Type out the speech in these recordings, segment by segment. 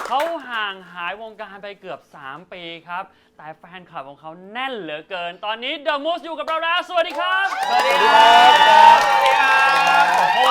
เขาห่างหายวงการไปเกือบ3 ปีครับแต่แฟนคลับของเขาแน่นเหลือเกินตอนนี้ The Moose อยู่กับเราแล้วสวัสดีครับสวัสดีครับสวัสดีครับ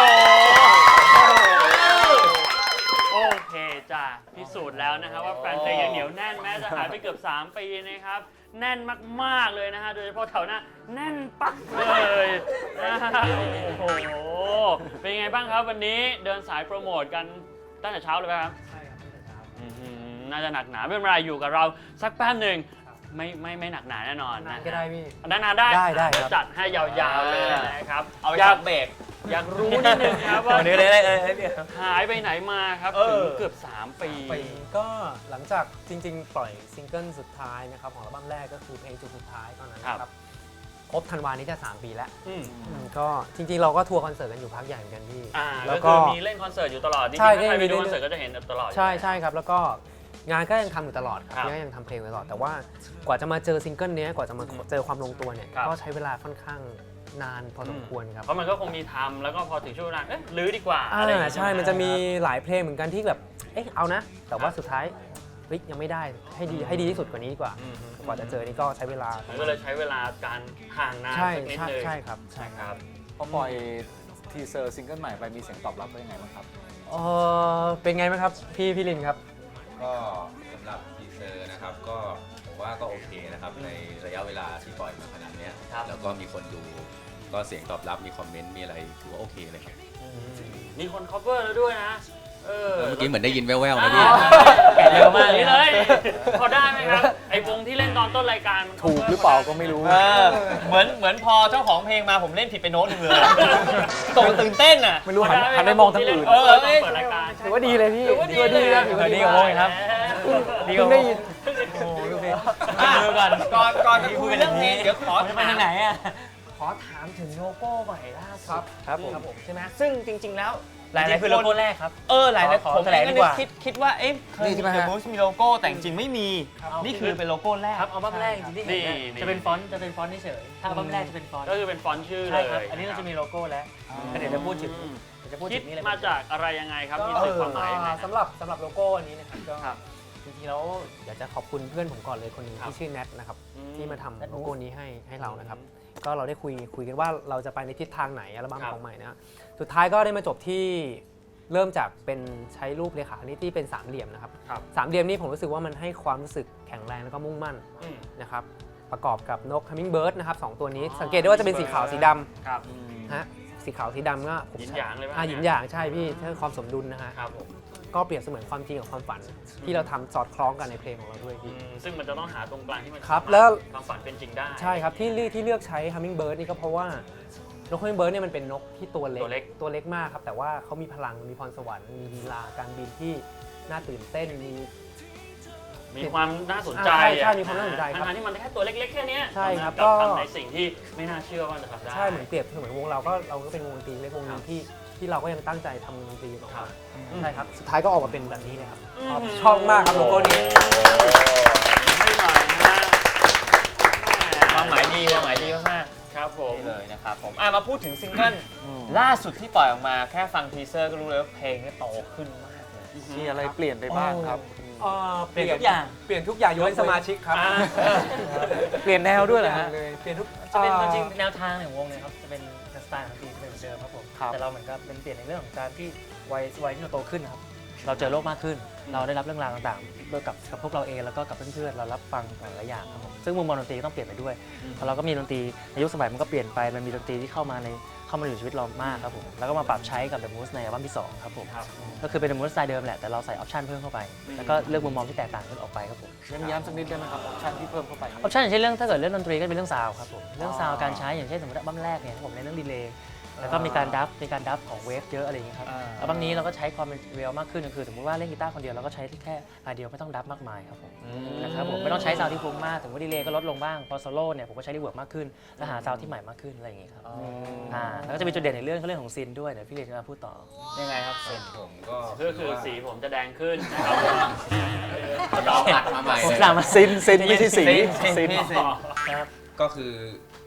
โอเคจ้ะพิสูจน์แล้วนะครับว่าแฟนเพลงยังเหนียวแน่นแม้จะหายไปเกือบ3 ปีนะครับแน่นมากๆเลยนะฮะโดยเฉพาะแถวหน้าแน่นปักเลยนะฮะโอ้โหเป็นไงบ้างครับวันนี้เดินสายโปรโมทกันตั้งแต่เช้าเลยไหมครับใช่ครับตั้งแต่เช้าน่าจะหนักหนาไม่เป็นไรอยู่กับเราสักแป๊บหนึ่งไม่หนักหนาแน่นอนนะก็ได้พี่นานๆได้จัดให้ยาวๆเลยนะครับอยากเบรกอยากรู้นิดนึงครับว่าหายไปไหนมาครับถึงเกือบ3 ปีก็หลังจากจริงๆปล่อยซิงเกิลสุดท้ายนะครับของอัลบั้มแรกก็คือเพลงจุดสุดท้ายตอนนั้นนะครับครบธันวานี้จะ3 ปีแล้วก็จริงๆเราก็ทัวร์คอนเสิร์ตกันอยู่พักใหญ่เหมือนกันพี่แล้วก็มีเล่นคอนเสิร์ตอยู่ตลอดจริงๆถ้าใครไปดูคอนเสิร์ตก็จะเห็นตลอดใช่ครับแล้วก็งานก็ยังทำอยู่ตลอดครับยังทำเพลงตลอดแต่ว่ากว่าจะมาเจอซิงเกิลนี้กว่าจะมาเจอความลงตัวเนี่ยก็ใช้เวลาค่อนข้างนานพอสมควรครับเพราะมันก็คงมีทำแล้วก็พอถึงช่วงเวลาลื้อดีกว่าใช่มันจะมีหลายเพลงเหมือนกันที่แบบเอานะแต่ว่าสุดท้ายยังไม่ได้ให้ดีที่สุดกว่านี้ดีกว่าจะเจอนี่ก็ใช้เวลาก็เลยใช้เวลาการห่างนานสักนิดนึงใช่ครับพอปล่อยทีเซอร์ซิงเกิลใหม่ไปมีเสียงตอบรับเป็นยังไงบ้างครับเป็นไงบ้างครับพี่ลินครับก็สำหรับทีเซอร์นะครับก็ผมว่าก็โอเคนะครับในระยะเวลาที่ปล่อยมาขนาดนี้แล้วก็มีคนดูก็เสียงตอบรับมีคอมเมนต์มีอะไรถือว่าโอเคเลยครับมีคน cover แล้วด้วยนะเมื่อกี้เหมือนได้ยินแว่วๆนะพี่แกะเร็วมากเลยพอได้ไหมครับไอ้วงที่เล่นตอนต้นรายการถูกหรือเปล่าก็ไม่รู้เหมือนพอเจ้าของเพลงมาผมเล่นผิดไปโน้ตนึงเลยตกตื่นเต้นอ่ะไม่รู้หันไปมองทางอื่นเปิดรายการถือว่าดีเลยพี่ถือว่าดีเลยกับโมงครับดีกับโมงโอ้ดูสิก่อนจะคุยเรื่องนี้เดี๋ยวขอไปทางไหนอ่ะขอถามถึงโลโก้ใหม่ล่าสุดครับผมใช่ไหมซึ่งจริงๆแล้วหลายๆคือโลโก้แรกครับหลายๆผมก็คิดว่าเคยมีมูสมีโลโก้แต่จริงไม่มีนี่คือเป็นโลโก้แรกครับอัลบั้มแรกจริงๆจะเป็นฟอนต์เฉยถ้าอัลบั้มแรกจะเป็นฟอนต์ก็คือเป็นฟอนต์ชื่อเลยอันนี้เราจะมีโลโก้แล้วเดี๋ยวจะพูดถึงคิดมาจากอะไรยังไงครับมีสื่อความหมายยังไงสำหรับโลโก้อันนี้นะครับก็จริงๆแล้วอยากจะขอบคุณเพื่อนผมก่อนเลยคนหนึ่งที่ชื่อแนทนะครับที่มาทำโลโก้นี้ให้เรานะครับก็เราได้คุยกันว่าเราจะไปในทิศทางไหนอัลบั้มของใหม่นะสุดท้ายก็ได้มาจบที่เริ่มจากเป็นใช้รูปเรขาคณิตที่เป็น3 เหลี่ยมนะครับ3 เหลี่ยมนี้ผมรู้สึกว่ามันให้ความรู้สึกแข็งแรงแล้วก็มุ่งมั่นนะครับประกอบกับนก Hummingbird นะครับ2 ตัวนี้สังเกตได้ว่าจะเป็นสีขาวสีดำฮะสีขาวสีดำก็ผมหยินหยางเลยป่ะหยินหยางใช่พี่เพื่อความสมดุลนะฮะก็เปรียบเสมือนความจริงกับความฝันที่เราทำสอดคล้องกันในเพลงของเราด้วยพี่ซึ่งมันจะต้องหาตรงกลางที่มันครับแล้วความฝันเป็นจริงได้ใช่ครับที่เลือกใช้ Hummingbird นี่ก็เพราะว่านก Hummingbird เนี่ยมันเป็นนกที่ตัวเล็กมากครับแต่ว่าเขามีพลังมีพรสวรรค์มีลีลาการบินที่น่าตื่นเต้นมีความน่าสนใจใช่มีความน่าสนใจครับทั้งที่มันแค่ตัวเล็กๆแค่นี้ใช่ครับก็ทำในสิ่งที่ไม่น่าเชื่อว่าจะทำได้ใช่เหมือนเปรียบเหมือนวงเราก็เป็นวงดนตรีเล็กวงนึงที่เราก็ยังตั้งใจทำดนตรีออกมาใช่ครับสุดท้ายก็ออกมาเป็นแบบนี้เลยครับชอบมากครับโลโก้นี้ไม่หน่อยนะความหมายดีมากครับผมเลยนะครับผมมาพูดถึงซิงเกิลล่าสุดที่ปล่อยออกมาแค่ฟังทีเซอร์ก็รู้เลยว่าเพลงนี้โตขึ้นมากเลยมีอะไรเปลี่ยนไปบ้างครับเปลี่ยนทุกอย่างยกเว้นสมาชิกครับเปลี่ยนแนวด้วยเหรอฮะเปลี่ยนทุกจะเป็นจริงแนวทางของวงเนี่ยครับจะเป็นสไตล์ของทีมเหมือนเดิมครับผมแต่เราเหมือนกับเป็นเปลี่ยนในเรื่องของการที่วัยที่เราโตขึ้นครับเราเจอโลกมากขึ้นเราได้รับเรื่องราวต่างๆโดยกับพวกเราเองแล้วก็กับเพื่อนๆเรารับฟังหลายอย่างครับผมซึ่งมุมมองดนตรีต้องเปลี่ยนไปด้วยพอเราก็มีดนตรีในยุคสมัยมันก็เปลี่ยนไปมันมีดนตรีที่เข้ามาอยู่ในชีวิตเรามากครับผมแล้วก็มาปรับใช้กับ The Moose ในอัลบั้มที่2ครับผมก็คือเป็น The Moose สไตล์เดิมแหละแต่เราใส่ออปชั่นเพิ่มเข้าไปแล้วก็เลือกมุมมองที่แตกต่างกันออกไปครับผมย้ำสักนิดได้ไหมครับออปชั่นที่เพิ่มเข้าไปออปชั่นอย่างเช่นเรื่องถ้าเกิดเรื่องดนตรีก็เป็นเรื่องซาวครับผมเรื่องซาวการใช้อย่างเช่นสมมติอัลบั้มแรกเนี่ยผมในเรื่องดีเลย์แล้วก็มีการดับของเวฟเยอะอะไรอย่างนี้ครับอัลบั้มนี้เราก็ใช้ความเป็นเรียลมากขึ้นก็คือสมมติว่าเล่นกีตาร์คนเดียวเราก็ใช้แค่ลายเดียวไม่ต้องดับมากมายครับผมนะครับผมไม่ต้องใช้ซาวที่ฟุ้งมากถึงว่าดีเลย์ก็ลดลงบ้างพอโซโล่เนี่ยผมก็ใช้รีเวิร์บมากขึ้นแล้วหาซาวที่ใหม่มากขึ้นอะไรอย่างนี้ครับแล้วก็จะมีจุดเด่นในเรื่องของซินด้วยเดี๋ยวพี่เรนจะมาพูดต่อยังไงครับซินผมก็คือสีผมจะแดงขึ้นนะครับเราอัดมาใหม่เลยซินไม่ใช่สีก็คือ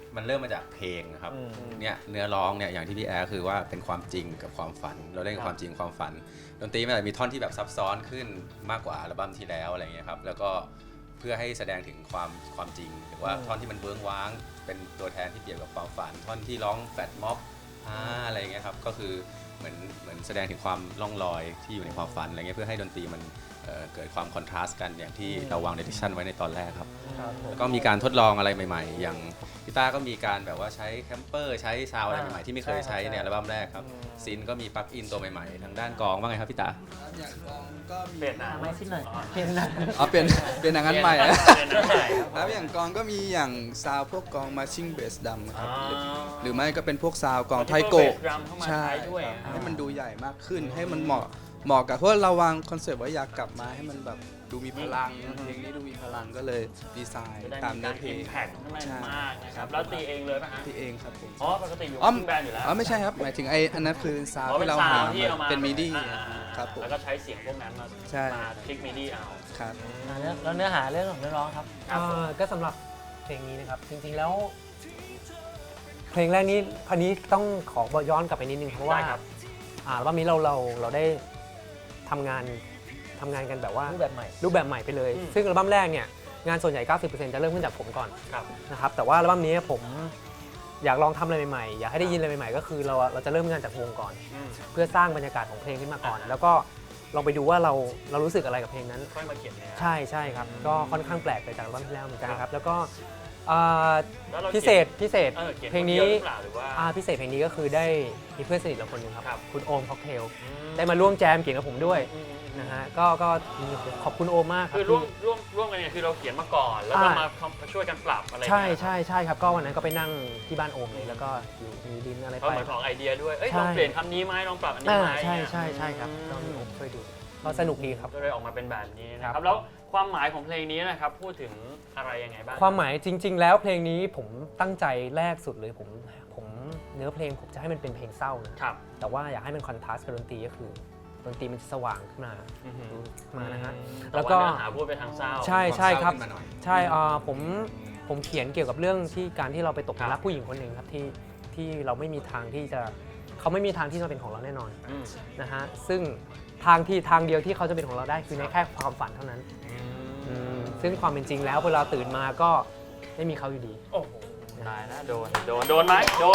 มันเริ่มมาจากเพลงนะครับเนี่ยเนื้อร้องเนี่ยอย่างที่พี่แอร์คือว่าเป็นความจริงกับความฝัน เราเล่นกับความจริงความฝันดนตรีมันอาจจะมีท่อนที่แบบซับซ้อนขึ้นมากกว่าอัลบั้มที่แล้วอะไรเงี้ยครับแล้วก็เพื่อให้แสดงถึงความจริงหรือว่าท่อนที่มันเบื้องว้างเป็นตัวแทนที่เปรียบกับความฝันท่อนที่ร้องแฟลตม็อบอะไรเงี้ยครับก็คือเหมือนแสดงถึงความล่องลอยที่อยู่ในความฝันอะไรเงี้ยเพื่อให้ดนตรีมันเกิดความคอนทราสต์กันอย่างที่เราวางเดดิชั่นไว้ในตอนแรกครับแล้วก็มีการทดลองอะไรใหม่ๆ อย่างพี่ต้าก็มีการแบบว่าใช้แคมเปอร์ใช้ซาวอะไรใหม่ๆที่ไม่เคยใช้ในอัลบั้มแรกครับซินก็มีปลั๊กอินตัวใหม่ๆทางด้านกลองว่าไงครับพี่ต้าอย่างกองก็มีเปลี่ยนหนาไม่สิ้นหน่อยเปลี่ยนหนาเปลี่ยนอย่างนั้นใหม่อะเปลี่ยนหนาใหม่แล้วอย่างกองก็มีอย่างซาวพวกกองมาชิ่งเบสดำครับอ๋อหรือไม่ก็เป็นพวกซาวกองไทโกะเบสดรัมเข้ามาใช่ใช้ด้วยให้มันดูใหญ่มากขึ้นให้มันเหมาะกับเพราะเราวางคอนเซปต์ว่าอยากกลับมาให้มันแบบดูมีพลังเพลงนี้ดูมีพลังก็เลยดีไซน์จะได้ตามมีเนื้กาอรเพลอิงมแพคขึ้นมาใช่มากนะครับแล้วตีเองเลยป่ะฮะที่เองครับผมอ๋อปกติอยู่อ๋อกับแบนด์อยู่แล้วอ๋อไม่ใช่ครับหมายถึงอันนั้นคือซาวอ๋อที่เราซหาวด์ที่เอามาเป็นมิดี้อ่าครับผมแล้วก็ใช้เสียงพวกนั้นมาใช่มาคลิกมิดี้เอาครับแล้วเนื้อหาเรื่องของเนื้อร้องครับก็สำหรับเพลงนี้นะครับจริงๆแล้ว เพลงแรกนี้พันนี้ต้องขอย้อนกลับไปนิดนึงเพราะว่าได้ครับอัลบั้มนี้เราได้ทำงานกันแบบว่ารูปแบบใหม่รูปแบบใหม่ไปเลย ซึ่งอัลบั้มแรกเนี่ยงานส่วนใหญ่ 90% จะเริ่มขึ้นจากผมก่อนครับนะครับแต่ว่าอัลบั้มนี้ผมอยากลองทำอะไรใหม่ๆอยากให้ได้ยินอะไรใหม่ๆก็คือเราจะเริ่มงานจากวงก่อนอืมเพื่อสร้างบรรยากาศของเพลงขึ้นมาก่อน แล้วก็ลองไปดูว่าเรารู้สึกอะไรกับเพลงนั้นค่อยมาเขียนเนื้อใช่ครับก็ค่อนข้างแปลกไปจากอัลบั้มที่แล้วเหมือนกันครับแล้วก็แล้วเราพิเศษเพลงเพลงนี้นี้หรือเปล่าหรือว่าพิเศษเพลงนี้ก็คือได้มีเพื่อนสนิทเราคนหนึงครับครับคุณโอมค็อกเทลได้มาร่วมแจมเขียนกับผมด้วยอืมนะฮะก็ขอบคุณโอมมากครัคืบอร่วมกันเนี่ยคือเราเขียนมาก่อน แล้วก็มาช่วยกันปรับอะไรอย่างใช่เงี้ยใช่ครับก็วันนั้นก็ไปนั่งที่บ้านโอมเลยแล้วก็อยู่มีดินอะไรก็ไปเหมือนของไอเดียด้วยเอ้ยใช่ลองเปลี่ยนคำนี้ไหมลองปรับอันนี้ไหมใช่ครับก็มีโอมช่วยดูก็สนุกดีครับก็เลยออกมาเป็นแบบนี้นะคครัรับบ แล้วความหมายของเพลงนี้นะครับพูดถึงอะไรยังไงบ้างความหมายจริง ๆ แล้วเพลงนี้ผมตั้งใจแรกสุดเลยผมเนื้อเพลงผมจะให้มันเป็นเพลงเศร้านะครับ แต่ว่าอยากให้มันคอนทราสต์กับดนตรีก็คือดนตรีมันจะสว่างขึ้นมาอือหือดูมานะฮะแต่แล้วว่าก็เนื้อหาพูดไปทางเศร้าใช่ครับขึ้นมาหน่อยใช่ผมเขียนเกี่ยวกับเรื่องที่การที่เราไปตกหลุมรักผู้หญิงคนหนึ่งครับที่เราไม่มีทางที่จะเขาไม่มีทางที่จะเป็นของเราแน่นอนอืมนะฮะซึ่งทางเดียวที่เขาจะเป็นของเราได้คือในแค่ความฝันเท่านั้นซึ่งความเป็นจริงแล้วเวลาตื่นมาก็ไม่มีเขาอยู่ดีโอ้โหตายแล้วโดนไหมโดน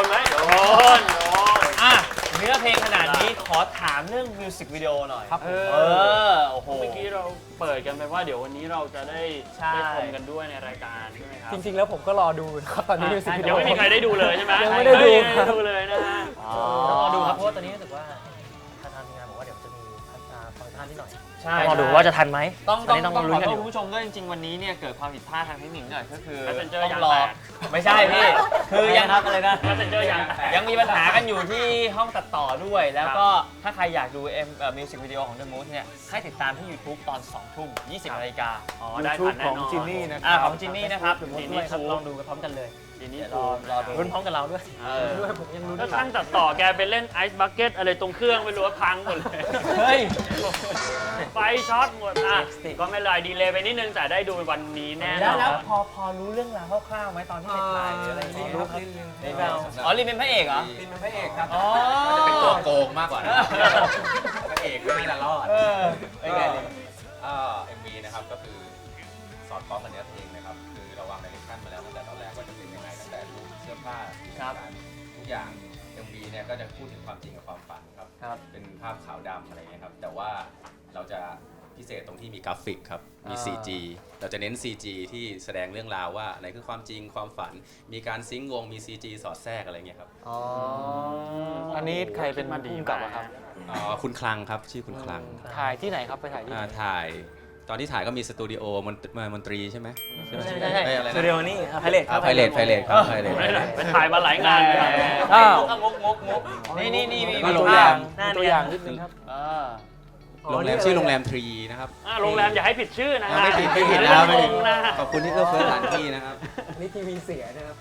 อ่ะเนื้อเพลงขนาดนี้ขอถามเรื่องมิวสิกวิดีโอหน่อยครับโอ้โหเมื่อกี้เราเปิดกันไปว่าเดี๋ยววันนี้เราจะได้ใช่ชมกันด้วยในรายการใช่ไหมครับจริงๆแล้วผมก็รอดูนะครับตอนนี้มิวสิกวิดียังโอไม่มีใครได้ดูเลยใช่ไหมยังไม่ได้ดูยังไม่ได้ดูเลยนะฮะต้องรอดูครับเพราะว่าตอนนี้รู้สึกว่าทางทีมงานบอกว่าเดี๋ยวจะมีฟังก์ชันนิดหน่อยใช่ต้องรอดูว่าจะทันไหมต้องตอนนี้ต้องขลุ้อนกันโทอษยู่คุณผู้ชมด้วยจริงๆวันนี้เนี่ยเกิดความผิดพลาดทางเทคนิคหน่อยก็คือ Messenger ต้ยาอง งรอแตกไม่ใช่พี่คือยังอะไรนะ Messenger ยังแตกยังมีปัญหากันอยู่ที่ห้องตัดต่อด้วย แล้วก็ถ้าใครอยากดูมิวสิกวิดีโอของ The Mood เนี่ยให้ติดตามที่ YouTube ตอน 2 ทุ่ม 20 นาฬิกาอ๋อได้ทันแน่นอนของจินนี่นะของจินนี่นะครับจินด้วยครับลองดูกันพร้อมกันเลยทีนี้เดี๋ยวรอดูรุ่นพร้อมกับเราด้วยด้วยผมยังรู้ถ้าช่างตัดต่อแกไปเล่นไอซ์บักเก็ตอะไรตรงเครื่องไม่รู้ว่าพังหมดเลยเฮ้ยไฟช็อตหมดอ่ะก็ไม่เป็นไรดีเลยไปนิดนึงแต่ได้ดูวันนี้แน่นแล้อวน แล้วพอรู้เรื่องราวคร่าวๆไหมตอนที่ไปถ่ายหรืออะไรอย่างเงี้ยครับลินอ๋อลินเป็นพระเอกเหรอลินเป็นพระเอกครับอ๋อจะเป็นตัวโกงมากกว่านะพระเอกก็ไม่ละรอดเป็นไงลิน MV นะครับก็คือสอดคล้องกับเนื้อเพลงนะครับคือเราวางไดเรคชั่นมาแล้วตั้งแต่ตอนแรกว่าจะเป็นยังไงตั้งแต่รูปเสื้อผ้าทุกอย่าง MV เนี่ยก็จะพูดถึงความจริงกับความฝันครับครับเป็นภาพขาวดำอะไรเงี้ยครับแต่ว่าเราจะพิเศษตรงที่มีกราฟิกครับมี CG เราจะเน้น CG ที่แสดงเรื่องราวว่าอะไรคือความจริงความฝัน มีการซิงค์วงมี CG สอดแทรกอะไรเงี้ยครับอันนี้ใครเป็นผู้กำกับอะครับคุณคลังครับชื่อคุณคลังถ่ายที่ไหนครับไปถ่ายที่ถ่ายตอนที่ถ่ายก็มีสตูดิโอมนตรีใช่ไหมใช่เอ้ยอะไรสตูดิโอนี่ไพเรตครับไพเรตครับไพเรตไปถ่ายมาหลายงานเลยครับมุกนี่มีมีตัวตัวอย่างหน้าตัวเนี่อย ย่างนิดนึงครับโรงแรมชื่อโรงแรมทรีนะครับโรงแรมอย่าให้ผิดชื่อนะฮะไม่ผิดเรื่นะองไม่งผิดงนะขอบคุณที่เอื้อเฟื้อสถานที่นะครับนี่ทีวีเสียนะครับ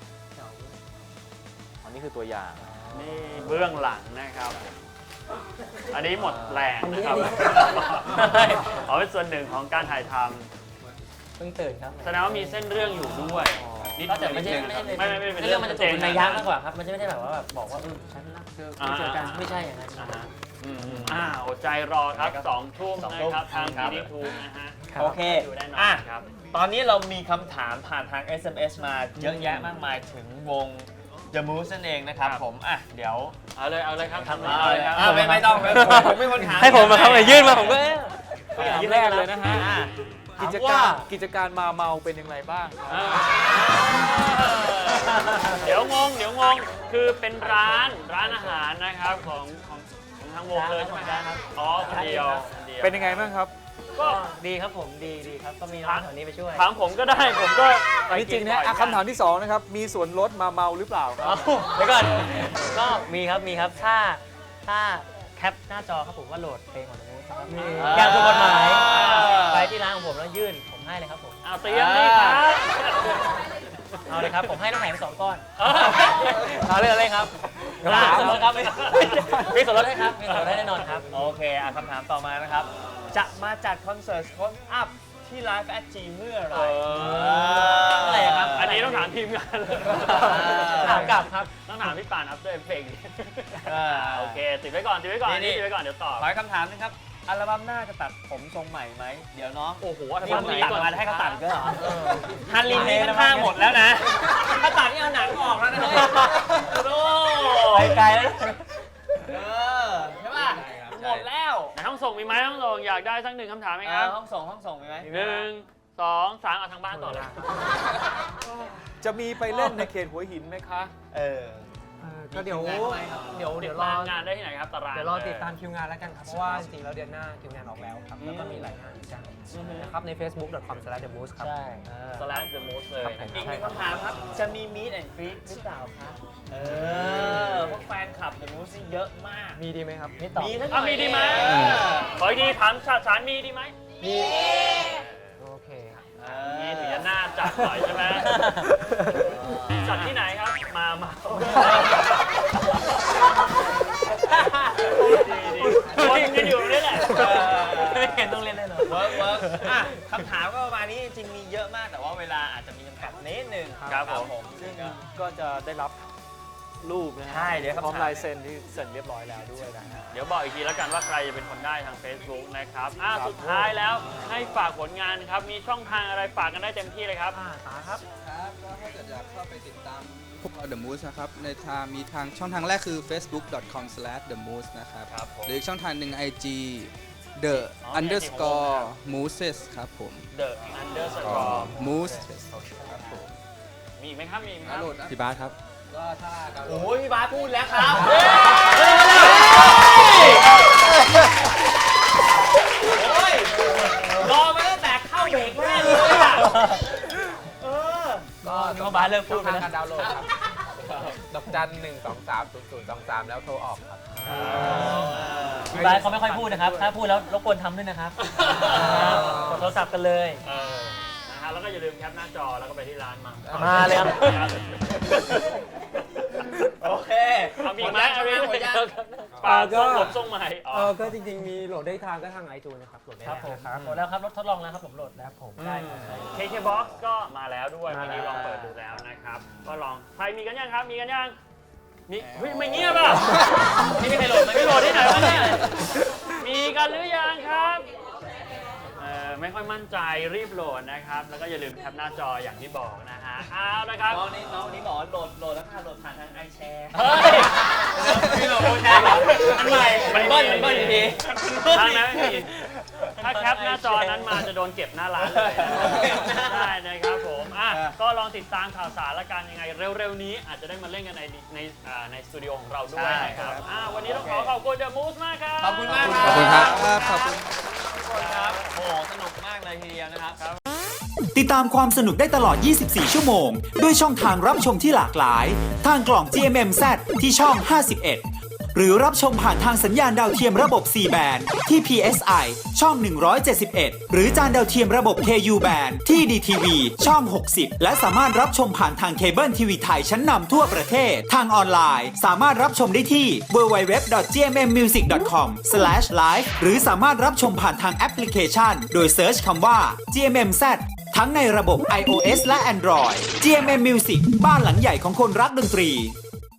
อันนี้คือตัวอย่างนี่เบื้องหลังนะครับ อันนี้หมดแรงนะครับ เอาเป็นส่วนหนึ่งของการถ่ายทเพิ่งตื่นครับำแสดงว่ามีเส้นเรื่องอยู่ด้วยนิดก็แต่ไม่ใช่ไม่เรื่องมันจะตกเป็นนัยยะมากกว่าครับ มันจะไม่ได้แบบว่าแบบบอกว่าฉันรักเธออ่าเจอกันไม่ใช่อย่างนั้นอดใจรอครับ2 ทุ่มนะครับทางทีดีทูนะฮะโอเคดูแน่นอนอ่ะครับตอนนี้เรามีคำถามผ่านทาง SMS มาเยอะแยะมากมายถึงวง The Moose นั่นเองนะครับครับผมอ่ะเดี๋ยวเอาเลยครับทำเอาเลยครับเอาไม่ต้องผมไม่คนถามให้ผมมาครับยื่นมาผมก็อย่างแรกเลยนะฮะอ่ะกิจการมาเมาเป็นอย่างไรบ้างเดี๋ยวงงคือเป็นร้านอาหารนะครับของทางวงเลยใช่ไหมครับอ๋อคนเดียวเป็นยังไงบ้างครับก็ดีครับผมดีครับ ก็มีน้องแถวนี้ไปช่วยถามผมก็ได้ผมก็ไปอันนี้จริงนะบ่อยอ่ะคำถามที่2นะครับ มีส่วนลดมาเมาหรือเปล่าครับเดี๋ยวก่อนก็มีครับถ้าแคปหน้าจอครับผมว่าโหลดเพลงของน้องครับอย่างถูกกฎหมายไปที่ร้านของผมแล้วยื่นผมให้เลยครับผมเอาเตรียมนี่ครับเอาเลยครับผมให้น้ำแข็งไป2 ก้อนเอาเรื่องอะไรครับส่วนลดครับมีส่วนลดให้ครับมีส่วนลดให้แน่นอนครับโอเคอ่ะคำถามต่อมานะครับ จะมาจัดคอนเสิร์ตโค้ดอัพที่ไลฟ์แอดจีเมื่อไหร่เมื่อไหร่ครับอันนี้ต้องถามทีมงานเลยถามกลับครับต้องถามพี่ป่านอัพด้วยเพลงอ่าโอเคติดไว้ก่อนนี่ติดไว้ก่อนเดี๋ยวตอบขอคำถามนึงครับ อัลบั้มหน้าจะตัดผมทรงใหม่ไหม เดี๋ยวน้องโอ้โหนี่ผมตัดมาให้เขาตัดอีก็เหรอฮัฮันนลิลินนนี่นี่มัมัน นข้าข้าง งหหมมดดแล้แล้ว วนะนะ ถ้าตัดนี่เอาหนังออกแล้วนะไปไกลแล้วใช่ป่ะหมดแล้วในห้องส่งมีไหมห้องส่งอยากได้สัก1 คำถามไหมครับห้องส่งมีไหม 1 2 3เอาทางบ้านต่อเลยจะมีไปเล่นในเขตหัวหินไหมคะก็เดี๋ยวรองานได้ที่ไหนครับตารางเดี๋ยวรอติดตามคิวงานแล้วกันครับ เพราะว่าจริงๆแล้วเดือนหน้าคิวงานออกแล้วครับ แล้วก็มีหลายงานเหมือนกันนะครับใน facebook.com/themoose ครับใช่สแลชเดอะมูสเลยครับผมอีกหนึ่งคำถามครับ จะมี Meet and Greet หรือเปล่าครับพวกแฟนคลับ The Moose นี่เยอะมากมีดีไหมครับนี่ต่อมีทั้งมีดีไหมขออีกทีถามสารมีดีไหมโอเคมีถึงจะน่าจัดหน่อยใช่ไหมจัดที่ไหนครับ มาดีวนกันอยู่นี่แหละไม่เห็นต้องเล่นแน่นอนเวิร์กอ่ะคำถามก็ประมาณนี้จริงๆมีเยอะมากแต่ว่าเวลาอาจจะมีจำกัดนิดนึงครับผมซึ่งก็จะได้รับรูปนะฮะใช่เดี๋ยวพร้อมคำถามลายเซ็นที่เซ็นเรียบร้อยแล้วด้วยนะฮะเดี๋ยวบอกอีกทีแล้วกันว่าใครจะเป็นคนได้ทาง Facebook นะครับสุดท้ายแล้วให้ฝากผลงานครับ มีช่องทางอะไรฝากกันได้เต็มที่เลยครับตาครับครับก็ถ้าเกิดอยากเข้าไปติดตามพวกเรา The Moose นะครับในมีทางช่องทางแรกคือ facebook.com/themoose นะครับครับผมหรืออีกช่องทางหนึ่ง IG the_mooses ครับผม The Underscore moose มีอีกไหมครับ มีอีกไหมครับพี่บาสครับโอ้ยพี่บาสพูดแล้วครับโอ้ยรอมาตั้งแต่เข้าเบรกแรกเลยอ่ะก็บาสเลิกพูดไปแล้วการดาวน์โหลดครับ ดอกจัน 1230023 แล้วโทรออกครับพี่บาสเขาไม่ค่อยพูดนะครับ ถ้าพูดแล้วรบกวนทำด้วยนะครับกดโทรศัพท์กันเลยนะฮะแล้วก็อย่าลืมแคปหน้าจอแล้วก็ไปที่ร้านมามาเลยครับโอเคเอามีอีกไหมเอามีอีกไหมหมดยังฝากส่งบทส่งใหม่อ๋อก็จริงๆ มีโหลดได้ทางก็ทาง iTunes นะครับ โหลดได้ครับผมนะครับโหลดแล้วครับทดลองแล้วครับผมโหลดแล้วผมได้ครับ KKBOX ก็มาแล้วด้วยมาวันนี้แล้วลองเปิดดูแล้วนะครับ ก็ลองใครมีกันยังครับ มีกันยังมีเฮ้ยไม่เงียบอ่ะไม่มีใครโหลดไม่โหลดที่ไหนวะเนี่ยมีกันหรือยังครับไม่ค่อยมั่นใจรีบโหลดนะครับ แล้วก็อย่าลืมแคปหน้าจออย่างที่บอกนะฮะเอานะครับน้องนี้บอกว่าโหลดแล้วค่ะโหลดผ่านทางไอแชร์เฮ้ยพี่โหลดแชร์อันใหม่มันเบิ้ลอยู่ดีทางนั้นไม่มีถ้าแคปหน้าจอนั้นมาจะโดนเก็บหน้าร้านเลยนะได้นะครับผมก็ลองติดตามข่าวสารละกันยังไงเร็วๆนี้อาจจะได้มาเล่นกันในสตูดิโอของเราด้วยนะครับวันนี้ต้องขอบคุณ The Moose มากครับขอบคุณมากขอบคุณครับ ขอบคุณครับโอ้โหสนุกมากเลยทีเดียวนะครับติดตามความสนุกได้ตลอด 24 ชั่วโมง ด้วยช่องทางรับชมที่หลากหลาย ทางกล่อง GMMZ ที่ช่อง 51 หรือรับชมผ่านทางสัญญาณดาวเทียมระบบ 4 แบนที่ PSI ช่อง 171 หรือจานดาวเทียมระบบ KU แบนที่ DTV ช่อง 60 และสามารถรับชมผ่านทางเคเบิลทีวีไทยชั้นนำทั่วประเทศ ทางออนไลน์สามารถรับชมได้ที่ www.gmmmusic.com/live หรือสามารถรับชมผ่านทางแอปพลิเคชัน โดยเซิร์ชคำว่า GMMZ ทั้งในระบบ iOS และ Android GMM Music บ้านหลังใหญ่ของคนรักดนตรี